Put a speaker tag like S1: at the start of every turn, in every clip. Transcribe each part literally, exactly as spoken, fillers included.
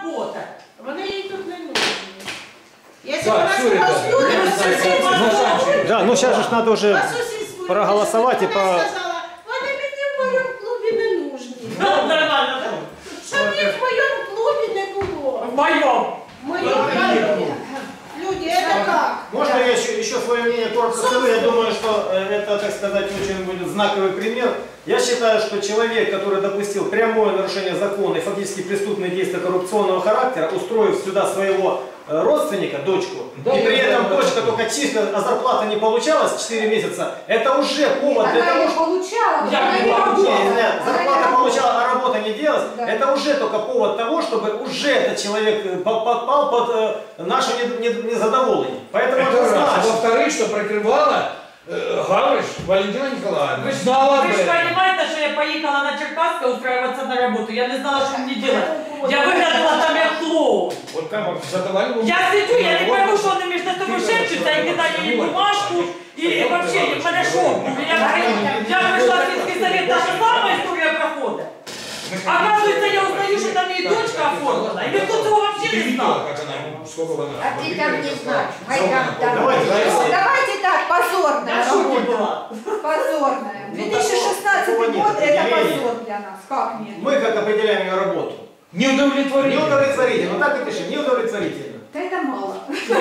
S1: робота.
S2: Вони їй тут не нужні. Если
S3: Так,
S2: вона
S3: всё,
S2: сказала,
S3: ребята,
S2: что люди,
S3: я
S2: по соседству,
S4: Да, ну сейчас же надо уже
S2: по сусідству,
S4: проголосовать и
S2: вона
S4: по...
S2: сказала, вони мені в моєму клубі не нужні.
S1: Нормально, так?
S2: Щоб їх в моєму клубі не було.
S1: В моем.
S2: В моєму клубі. Люди, это как?
S4: Можно я еще, еще свое мнение коротко скажу? Я думаю, что это, так сказать, очень будет знаковый пример. Я считаю, что человек, который допустил прямое нарушение закона и фактически преступные действия коррупционного характера, устроив сюда своего родственника, дочку,
S3: Да,
S4: и при
S3: да,
S4: этом
S3: да,
S4: дочка
S3: да.
S4: только чисто, а зарплата не получалась четыре месяца, это уже повод для
S5: Она
S4: того,
S5: ее
S4: что...
S5: получала,
S1: Я
S5: она
S1: не
S5: не
S1: могу.
S5: работала.
S4: Не, не,
S5: Она
S4: зарплата
S5: не
S4: получала,
S5: работала.
S4: а работа не делалась.
S5: Да.
S4: Это уже только повод того, чтобы уже этот человек попал под э, наше незадоволение. Поэтому
S3: Это раз.
S4: однозначно.
S3: Во-вторых, что прикрывала э, Гавриш Валентина Николаевна.
S1: Вы ж,
S3: Знала об
S1: вы ж
S3: этом.
S1: понимаете, что я поехала на Черкасске устраиваться на работу. Я не знала, что мне делать. Я выглядела там як клоун.
S3: Вот как вам задавали вопрос.
S1: Я сидю, я не пойму, что они между собой шепчутся, и кидали ей бумажку, и, и вообще, в мене шок. Я, я пришла в сельский совет, та же самая история прохода. Оказывается, я узнаю, что там ее дочка оформлена, и никто этого вообще
S3: Ты
S1: не
S3: видела,
S1: знал.
S3: как она, сколько она...
S5: А ты там не знаешь. Майдан, там.
S4: Давайте,
S5: Ну, давайте так, позорная
S1: Я в шоке
S5: работа.
S1: была.
S5: Позорная. две тысячи шестнадцатый
S4: такого нет
S5: год это
S4: определения.
S5: позор для нас. Как нет?
S4: Мы как определяем ее работу?
S3: Не удовлетворили.
S4: Неудовлетворительно. Так и пишем. Неудовлетворительно.
S5: Да это мало.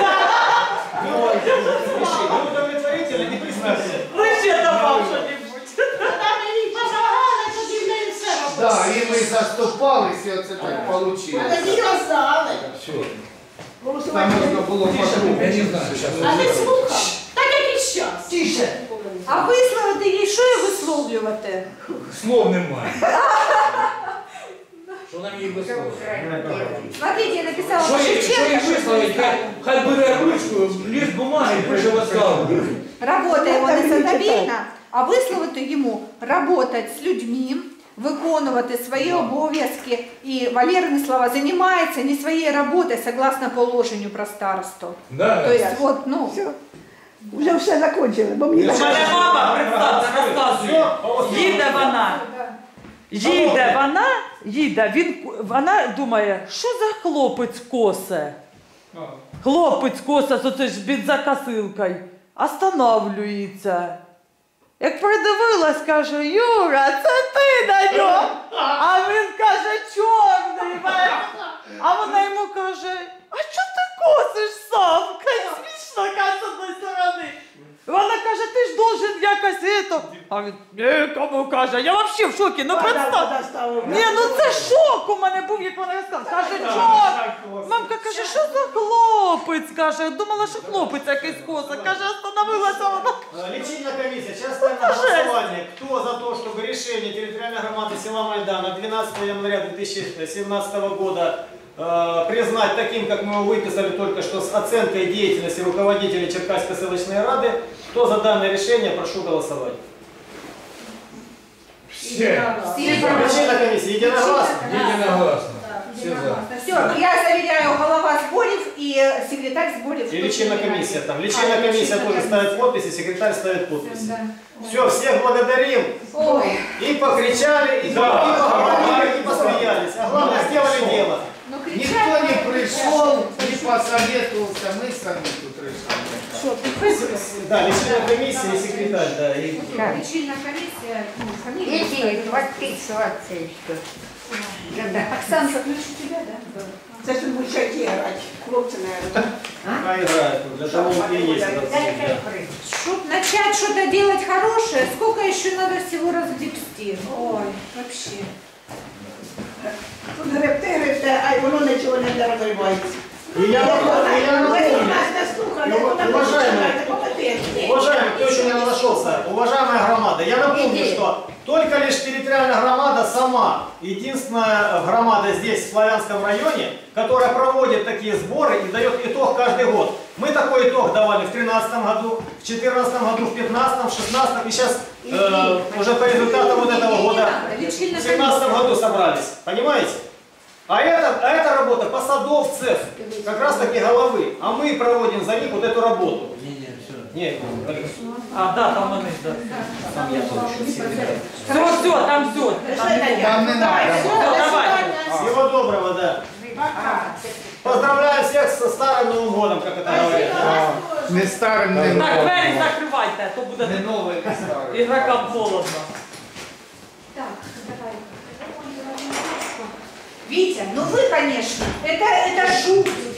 S4: Неудовлетворительно, не представьте.
S1: Лучше добавь что-нибудь.
S2: Там їй пожагали, тоді в неї все робили.
S6: Да, і ми заступалися, і оце так вийшло.
S2: А тоді казали.
S3: Все.
S6: Там можна було
S3: Я
S6: по-другому.
S3: не знаю, сейчас.
S2: А ти слухав? Так як і щас.
S1: Тише.
S5: А висловити їй, що їй висловлювати?
S3: Слов немає. Що нам їй висловити?
S5: Смотрите, я написала
S3: Що їй, що їй
S5: Шевченко.
S3: висловити? Хай, хай бере ручку, ліст бумаги і пише в відставку.
S5: Работа його незадовільна, а висловити йому работать з людьми, виконувати свої обов'язки. І Валерины слова, займається не своєю роботою, согласно положенню про старосту.
S3: Да.
S5: То есть, вот, ну,
S7: Вже все закончили, бо мені
S1: У мене мама, представте, розказує. Їде вона. Їде вона, їде, він, вона думає, що за хлопець косе? Хлопець косе з оце ж бензокосилкою. Останавлюється. Як придивилась, каже, Юра, це ти на ньому. А він каже, чорний. А вона йому каже, а чого ти косиш сам? Каже, смішно, каже, з одної сторони. Вона каже, ти ж должен якось это. А він, нікому каже, я взагалі в шокі, ну представ. Ні, ну це шок у мене був, як вона розказала. Каже, чорт. Мамка каже, що за хлопець? Каже, думала, що хлопець якийсь коса. Каже, остановилася вона.
S4: Лечильная комиссия. Сейчас ставим на голосование. Кто за то, чтобы решение территориальной громады села Майдана двенадцатого января две тысячи семнадцатого года э, признать таким, как мы его выписали только что, с оценкой деятельности руководителей Черкасской селищной рады, кто за данное решение, прошу голосовать.
S3: Все.
S4: Лечильная комиссия единогласно.
S3: Единогласно. Все за.
S5: все, я заверяю, голова Сборев и секретарь Сборев.
S4: И лечебная комиссия там. Лечебная комиссия тоже ставит подписи, секретарь ставит подписи.
S5: Да.
S4: Все, всех благодарим.
S5: Ой,
S4: И покричали, и,
S3: Да.
S4: и поговорили, и посмеялись. А главное, сделали дело.
S5: ну
S6: Ніхто
S5: кричать.
S6: не прийшов, не посоветувався, ми самі тут рішили.
S5: Что, ты
S4: Да, лечебная комиссия и секретарь, да. И...
S5: Лечильная комиссия, ну, фамилия.
S7: Эти подписываться еще.
S5: Оксана, ключ у тебя, да?
S7: Це ж ми ще грати, хлопці, наверное.
S4: А играет, для того и есть этот секретарь.
S5: Чтобы начать что-то делать хорошее, сколько еще надо всего разгребсти? Ой, вообще.
S7: Тут гребте, гребте, а воно нічого не розривається.
S4: И я, и я напомню,
S7: Нас не слухали,
S4: Ну,
S7: вона
S4: уважаемые,
S7: компетентні.
S4: уважаемый, кто еще не нашелся, уважаемая громада, я напомню, что только лишь территориальная громада сама, единственная громада здесь, в Славянском районе, которая проводит такие сборы и дает итог каждый год. Мы такой итог давали в тринадцатом году, в две тысячи четырнадцатом году, в две тысячи пятнадцатом, в две тысячи шестнадцатом и сейчас э, уже по результатам вот этого года в две тысячи семнадцатом году собрались. Понимаете? А это, а эта работа посадовцев, как раз таки головы. А мы проводим за них вот эту работу.
S3: Не, не, все.
S4: Нет,
S1: А, да, там вони, да.
S4: там я тоже
S1: Все, все, там все. Там не
S6: Там не
S1: Все,
S6: треба.
S1: давай.
S4: Всего доброго, да.
S2: Пока.
S4: Поздравляю всех со Старым Новым годом, как это говорят.
S6: Не старим, не
S1: Так, двері
S6: новим.
S1: закривайте, а то буде
S3: Не новий, не старий.
S1: ігрокам холодно.
S5: Так, давай. Витя, ну вы, конечно, это, это жуть.